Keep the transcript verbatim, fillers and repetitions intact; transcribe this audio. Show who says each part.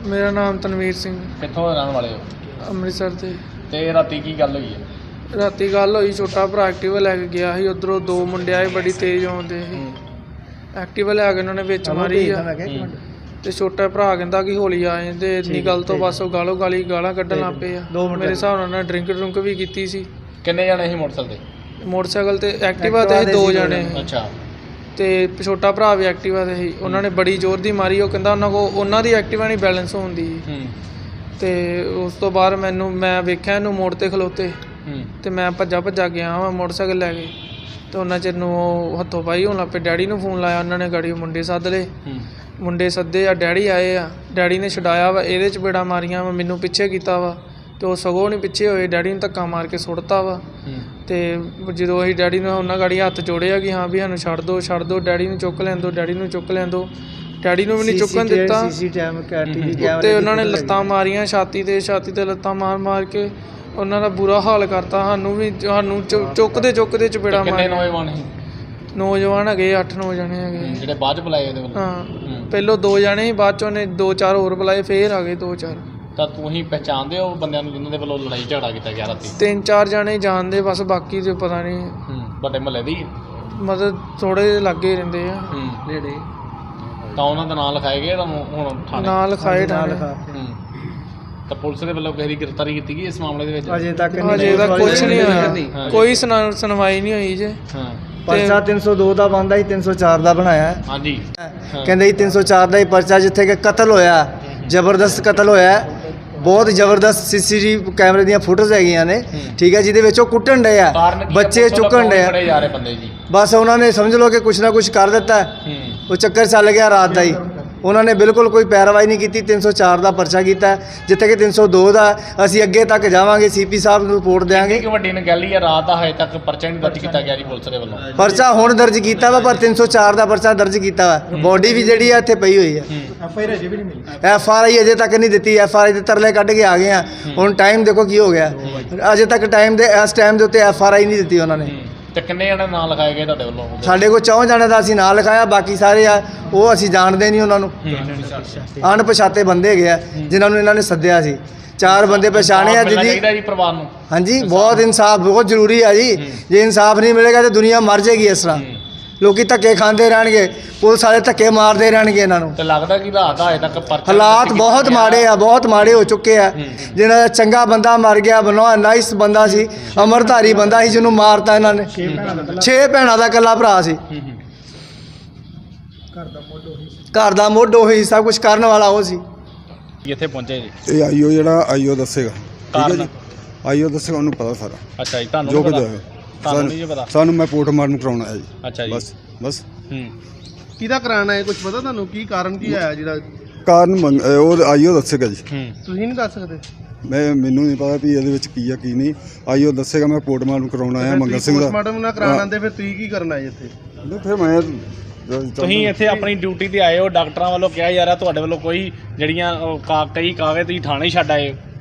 Speaker 1: मेरा नाम तनवीर सिंह।
Speaker 2: कित्थों दे रहण वाले हो?
Speaker 1: ਅੰਮ੍ਰਿਤਸਰ ਤੇ
Speaker 2: ਤੇ ਰਾਤੀ ਕੀ ਗੱਲ ਹੋਈ ਹੈ?
Speaker 1: ਰਾਤੀ ਗੱਲ ਹੋਈ, ਛੋਟਾ ਭਰਾ ਐਕਟਿਵਾ ਲੈ ਕੇ ਗਿਆ ਸੀ, ਉੱਧਰੋਂ ਦੋ ਮੁੰਡੇ ਆਏ ਬੜੀ ਤੇਜ਼ ਆਉਂਦੇ ਸੀ। ਐਕਟਿਵਾ ਲੈ ਕੇ ਉਹਨਾਂ ਨੇ ਵਿੱਚ ਮਾਰੀ ਆ ਤੇ ਛੋਟਾ ਭਰਾ ਕਹਿੰਦਾ ਕਿ ਹੌਲੀ ਆ ਜਾਂਦੇ। ਇੰਨੀ ਗੱਲ ਤੋਂ ਬਸ ਉਹ ਗਾਲੋ ਗਾਲੀ ਗਾਲਾਂ ਕੱਢਣ ਲੱਗ ਪਏ ਆ। ਮੇਰੇ ਹਿਸਾਬ ਨਾਲ ਉਹਨਾਂ ਨੇ ਡਰਿੰਕ ਡਰੁੰਕ ਵੀ ਕੀਤੀ ਸੀ।
Speaker 2: ਕਿੰਨੇ ਜਣੇ ਸੀ ਮੋਟਰਸਾਈਕਲ ਤੇ?
Speaker 1: ਮੋਟਰਸਾਈਕਲ ਤੇ ਐਕਟਿਵਾ ਤੇ ਦੋ ਜਣੇ ਸੀ।
Speaker 2: ਅੱਛਾ। ਤੇ
Speaker 1: ਛੋਟਾ ਭਰਾ ਵੀ ਐਕਟਿਵਾ ਤੇ ਸੀ। ਉਹਨਾਂ ਨੇ ਬੜੀ ਜ਼ੋਰ ਦੀ ਮਾਰੀ। ਉਹ ਕਹਿੰਦਾ ਉਹਨਾਂ ਕੋਲ ਉਹਨਾਂ ਦੀ ਐਕਟਿਵਾ ਨਹੀਂ ਬੈਲੈਂਸ ਹੁੰਦੀ। ਤੇ ਉਸ ਤੋਂ ਬਾਅਦ ਮੈਨੂੰ ਮੈਂ ਵੇਖਿਆ ਇਹਨੂੰ ਮੋੜ ਤੇ ਖਲੋਤੇ ਤੇ ਮੈਂ ਭੱਜਾ ਭੱਜਾ ਗਿਆ ਵਾ ਮੋਟਰਸਾਈਕਲ ਲੈ ਕੇ। ਤੇ ਉਹਨਾਂ ਚਿਰ ਨੂੰ ਉਹ ਹੱਥੋਂ ਪਾਈ ਹੋਣ ਲੱਗ ਪਏ। ਡੈਡੀ ਨੂੰ ਫੋਨ ਲਾਇਆ ਉਹਨਾਂ ਨੇ, ਗਾੜੀ ਮੁੰਡੇ ਸੱਦ ਲਏ। ਮੁੰਡੇ ਸੱਦੇ ਆ, ਡੈਡੀ ਆਏ ਆ। ਡੈਡੀ ਨੇ ਛਡਾਇਆ ਵਾ, ਇਹਦੇ 'ਚ ਬੇੜਾ ਮਾਰੀਆਂ ਵਾ, ਮੈਨੂੰ ਪਿੱਛੇ ਕੀਤਾ ਵਾ ਤੇ ਉਹ ਸਗੋਂ ਨਹੀਂ ਪਿੱਛੇ ਹੋਏ। ਡੈਡੀ ਨੂੰ ਧੱਕਾ ਮਾਰ ਕੇ ਸੁੱਟਤਾ ਵਾ। ਤੇ ਜਦੋਂ ਅਸੀਂ ਡੈਡੀ ਨੂੰ ਉਹਨਾਂ ਗਾੜੀ ਹੱਥ ਜੋੜਿਆ ਕਿ ਹਾਂ ਵੀ ਸਾਨੂੰ ਛੱਡ ਦਿਓ ਛੱਡ ਦਿਓ, ਡੈਡੀ ਨੂੰ ਚੁੱਕ ਲੈਣ ਦਿਓ, ਡੈਡੀ ਨੂੰ ਚੁੱਕ ਲੈਣ ਦਿਓ। ਡੈਡੀ ਨੂੰ ਵੀ ਨਹੀਂ ਚੁੱਕਣ ਦਿੱਤਾ ਤੇ ਉਹਨਾਂ ਨੇ ਲੱਤਾਂ ਮਾਰੀਆਂ ਛਾਤੀ ਤੇ ਛਾਤੀ ਤੇ ਲੱਤਾਂ ਮਾਰ ਮਾਰ ਕੇ ਉਹਨਾਂ ਦਾ ਬੁਰਾ ਹਾਲ ਕਰਤਾ। ਸਾਨੂੰ ਵੀ ਸਾਨੂੰ ਚੁੱਕਦੇ ਚੁੱਕਦੇ ਚਪੇੜਾ ਮਾਰਿਆ।
Speaker 2: ਨੌਜਵਾਨ ਸੀ?
Speaker 1: ਨੌਜਵਾਨ ਹੈਗੇ ਅੱਠ ਨੌ ਜਣੇ ਹੈਗੇ
Speaker 2: ਜਿਹੜੇ ਬਾਅਦ ਚ ਬੁਲਾਏ ਉਹਦੇ ਵੱਲੋਂ?
Speaker 1: ਹਾਂ, ਪਹਿਲੋਂ ਦੋ ਜਣੇ ਸੀ, ਬਾਅਦ 'ਚ ਉਹਨੇ ਦੋ ਚਾਰ ਹੋਰ ਬੁਲਾਏ, ਫੇਰ ਆ ਗਏ ਦੋ ਚਾਰ।
Speaker 2: ਤਾਂ ਤੁਸੀਂ ਪਹਿਚਾਣਦੇ ਹੋ ਬੰਦਿਆਂ ਨੂੰ ਜਿਨ੍ਹਾਂ ਦੇ ਵੱਲੋਂ ਲੜਾਈ ਝਗੜਾ ਕੀਤਾ ਗਿਆ ਰਾਤੀ?
Speaker 1: ਤਿੰਨ ਚਾਰ ਜਣੇ ਜਾਣਦੇ, ਬਸ ਬਾਕੀ ਤੇ ਪਤਾ ਨਹੀਂ।
Speaker 2: ਤੁਹਾਡੇ ਮਹੱਲੇ ਦੀ
Speaker 1: ਮਤਲਬ ਥੋੜੇ ਜਿਹੇ ਲਾਗੇ ਰਹਿੰਦੇ ਆ ਨੇੜੇ।
Speaker 2: ਤਾਂ ਉਹਨਾਂ ਦਾ ਨਾਂ ਲਿਖਾਏ ਗਏ ਤੁਹਾਨੂੰ ਹੁਣ ਥਾਣੇ?
Speaker 1: ਨਾਂ ਲਿਖਾਏ ਥਾਣੇ।
Speaker 2: ਤਾਂ ਪੁਲਿਸ ਦੇ ਵੱਲੋਂ ਕਿਸੇ ਦੀ ਗ੍ਰਿਫਤਾਰੀ ਕੀਤੀ ਗਈ ਇਸ ਮਾਮਲੇ ਦੇ ਵਿੱਚ?
Speaker 1: ਅਜੇ ਤੱਕ ਅਜੇ ਤੱਕ ਕੁਝ ਨਹੀਂ ਹੋਇਆ, ਕੋਈ ਸੁਣਵਾਈ ਨਹੀਂ ਹੋਈ ਜੇ।
Speaker 3: ਪਰਚਾ ਤਿੰਨ ਸੌ ਦੋ ਦਾ ਬਣਦਾ ਸੀ, ਤਿੰਨ ਸੌ ਚਾਰ ਦਾ ਬਣਾਇਆ।
Speaker 2: ਹਾਂਜੀ,
Speaker 3: ਕਹਿੰਦੇ ਜੀ ਤਿੰਨ ਸੌ ਚਾਰ ਦਾ ਹੀ ਪਰਚਾ, ਜਿੱਥੇ ਕਿ ਕਤਲ ਹੋਇਆ, ਜ਼ਬਰਦਸਤ ਕਤਲ ਹੋਇਆ, ਬਹੁਤ ਜ਼ਬਰਦਸਤ ਸੀਸੀਟੀਵੀ ਕੈਮਰੇ ਦੀਆਂ ਫੋਟੋਜ਼ ਹੈਗੀਆਂ ਨੇ, ਠੀਕ ਹੈ, ਜਿਹਦੇ ਵਿੱਚ ਉਹ ਕੁੱਟਣ ਡਏ ਆ, ਬੱਚੇ ਚੁੱਕਣ ਡਏ ਆ। ਬਸ ਉਹਨਾਂ ਨੇ ਸਮਝ ਲਓ ਕਿ ਕੁਛ ਨਾ ਕੁਛ ਕਰ ਦਿੱਤਾ। ਉਹ ਚੱਕਰ ਚੱਲ ਗਿਆ ਰਾਤ ਦਾ ਹੀ। ਉਹਨਾਂ ਨੇ ਬਿਲਕੁਲ ਕੋਈ ਪੈਰਵਾਈ ਨਹੀਂ ਕੀਤੀ। ਤਿੰਨ ਸੌ ਚਾਰ ਦਾ ਪਰਚਾ ਕੀਤਾ, ਜਿੱਥੇ ਕਿ ਤਿੰਨ ਸੌ ਦੋ ਦਾ। ਅਸੀਂ ਅੱਗੇ ਤੱਕ ਜਾਵਾਂਗੇ, ਸੀਪੀ ਸਾਹਿਬ ਨੂੰ ਰਿਪੋਰਟ ਦੇਵਾਂਗੇ।
Speaker 2: ਕਿ ਵੱਡੀ ਨਗੈਲੀ ਹੈ, ਰਾਤ ਦਾ ਹਜੇ ਤੱਕ ਪਰਚਾ ਨਹੀਂ ਦਰਜ ਕੀਤਾ ਗਿਆ ਜੀ ਪੁਲਿਸ ਦੇ ਵੱਲੋਂ?
Speaker 3: ਪਰਚਾ ਹੁਣ ਦਰਜ ਕੀਤਾ ਵਾ, ਪਰ ਤਿੰਨ ਸੌ ਚਾਰ ਦਾ ਪਰਚਾ ਦਰਜ ਕੀਤਾ ਵਾ। ਬੋਡੀ ਵੀ ਜਿਹੜੀ ਆ ਇੱਥੇ ਪਈ ਹੋਈ ਹੈ। ਐਫ ਆਈ ਆਰ ਅਜੇ ਵੀ ਨਹੀਂ ਮਿਲੀ। ਐਫ ਆਰ ਆਈ ਅਜੇ ਤੱਕ ਨਹੀਂ ਦਿੱਤੀ। ਐਫ ਆਰ ਆਈ ਦੇ ਤਰਲੇ ਕੱਢ ਕੇ ਆ ਗਏ ਆ। ਹੁਣ ਟਾਈਮ ਦੇਖੋ ਕੀ ਹੋ ਗਿਆ। ਅਜੇ ਤੱਕ ਟਾਈਮ ਦੇ ਇਸ ਟਾਈਮ ਦੇ ਉੱਤੇ ਐਫ ਆਰ ਆਈ ਨਹੀਂ ਦਿੱਤੀ ਉਹਨਾਂ ਨੇ।
Speaker 2: ਤੇ ਕਿੰਨੇ ਜਣੇ ਨਾਂ ਲਿਖਾਏ ਗਏ ਤੁਹਾਡੇ ਵੱਲੋਂ?
Speaker 3: ਸਾਡੇ ਕੋਲ ਚੌਂ ਜਣੇ ਦਾ ਅਸੀਂ ਨਾਂ ਲਿਖਾਇਆ, ਬਾਕੀ ਸਾਰੇ ਆ ਉਹ ਅਸੀਂ ਜਾਣਦੇ ਨਹੀਂ ਉਹਨਾਂ ਨੂੰ। ਅਣਪਛਾਤੇ ਬੰਦੇ ਹੈਗੇ ਆ ਜਿਨ੍ਹਾਂ ਨੂੰ ਇਹਨਾਂ ਨੇ ਸੱਦਿਆ ਸੀ। ਚਾਰ ਬੰਦੇ ਪਛਾਣੇ ਆ ਜਿਹਦੀ
Speaker 2: ਜੀ ਪਰਿਵਾਰ ਨੂੰ।
Speaker 3: ਹਾਂਜੀ, ਬਹੁਤ ਇਨਸਾਫ ਬਹੁਤ ਜ਼ਰੂਰੀ ਆ ਜੀ। ਜੇ ਇਨਸਾਫ ਨਹੀਂ ਮਿਲੇਗਾ ਤਾਂ ਦੁਨੀਆ ਮਰ ਜਾਏਗੀ। ਇਸ ਤਰ੍ਹਾਂ ਲੋਕੀ ਧੱਕੇ ਖਾਂਦੇ ਰਹਿਣਗੇ, ਪੁਲਿਸ ਵਾਲੇ ਧੱਕੇ ਮਾਰਦੇ ਰਹਿਣਗੇ ਇਹਨਾਂ ਨੂੰ।
Speaker 2: ਤੇ ਲੱਗਦਾ ਕਿ ਹਾਲਾਤ ਹਜੇ ਤੱਕ ਪਰਚਾ
Speaker 3: ਹਾਲਾਤ ਬਹੁਤ ਮਾੜੇ ਆ, ਬਹੁਤ ਮਾੜੇ ਹੋ ਚੁੱਕੇ ਆ। ਜਿਹਨਾਂ ਦਾ ਚੰਗਾ ਬੰਦਾ ਮਰ ਗਿਆ, ਬਨਵਾ ਨਾਈਸ ਬੰਦਾ ਸੀ, ਅਮਰਧਾਰੀ ਬੰਦਾ ਸੀ, ਜਿਹਨੂੰ ਮਾਰਤਾ ਇਹਨਾਂ ਨੇ। ਛੇ ਭੈਣਾਂ ਦਾ ਇਕੱਲਾ ਭਰਾ ਸੀ, ਘਰ ਦਾ ਮੁੱਢ ਉਹੀ, ਸਭ ਕੁਝ ਕਰਨ ਵਾਲਾ ਉਹ ਸੀ।
Speaker 2: ਇੱਥੇ ਪਹੁੰਚੇ ਜੀ?
Speaker 4: ਇਹ ਆਈਓ ਜਿਹੜਾ ਆਈਓ ਦੱਸੇਗਾ, ਠੀਕ ਹੈ ਜੀ,
Speaker 2: ਕਾਰਨ?
Speaker 4: ਆਈਓ ਦੱਸੇਗਾ, ਉਹਨੂੰ ਪਤਾ ਸਾਰਾ।
Speaker 2: ਅੱਛਾ ਜੀ, ਤੁਹਾਨੂੰ
Speaker 4: ਜੋ
Speaker 2: ਨਹੀਂ
Speaker 4: ਕੁਝ
Speaker 2: ਪਤਾ?
Speaker 4: ਹੋਇਆ
Speaker 2: ਤੁਹਾਨੂੰ ਨਹੀਂ ਜੀ ਪਤਾ?
Speaker 4: ਸਾਨੂੰ ਮੈਂ ਪੋਸਟਮਾਰਟਮ ਕਰਾਉਣਾ ਹੈ ਜੀ।
Speaker 2: ਅੱਛਾ ਜੀ,
Speaker 4: ਬਸ ਬਸ
Speaker 2: ਹੂੰ।
Speaker 5: ਕਿਹਦਾ ਕਰਾਉਣਾ ਹੈ, ਕੁਝ ਪਤਾ ਤੁਹਾਨੂੰ? ਕੀ ਕਾਰਨ ਕੀ ਆਇਆ ਜਿਹੜਾ?
Speaker 4: ਕਾਰਨ ਮੰਗ- ਅਹ ਉਹ ਆਈਓ ਦੱਸੇਗਾ ਜੀ।
Speaker 2: ਹੂੰ।
Speaker 5: ਤੁਸੀਂ ਨਹੀਂ ਦੱਸ ਸਕਦੇ?
Speaker 4: ਮੈਂ ਮੈਨੂੰ ਨਹੀਂ ਪਤਾ ਵੀ ਇਹਦੇ ਵਿੱਚ ਕੀ ਆ ਕੀ ਨਹੀਂ। ਆਈਓ ਦੱਸੇਗਾ। ਮੈਂ ਪੋਸਟਮਾਰਟਮ ਕਰਾਉਣਾ ਹੈ ਮੰਗਲ ਸਿੰਘ ਦਾ।
Speaker 5: ਪੋਸਟਮਾਰਟਮ ਨਾ ਕਰਾਉਣ ਆਉਂਦੇ ਫਿਰ ਤੁਸੀਂ ਕੀ ਕਰਨਾ ਹੈ ਇੱਥੇ?
Speaker 4: ਨਹੀਂ, ਫਿਰ ਮੈਂ
Speaker 2: ਤੁਸੀਂ ਇੱਥੇ ਆਪਣੀ ਡਿਊਟੀ ਤੇ ਆਏ ਹੋ, ਡਾਕਟਰਾਂ ਵੱਲੋਂ ਕਿਹਾ ਜਾ ਰਿਹਾ ਤੁਹਾਡੇ ਵੱਲੋਂ ਕੋਈ ਜਿਹੜੀਆਂ ਉਹ ਕਾ- ਕਈ ਕਾਗਜ਼ ਤੁਸੀਂ ਥਾਣੇ ਛੱਡ ਆਏ ਹੋ।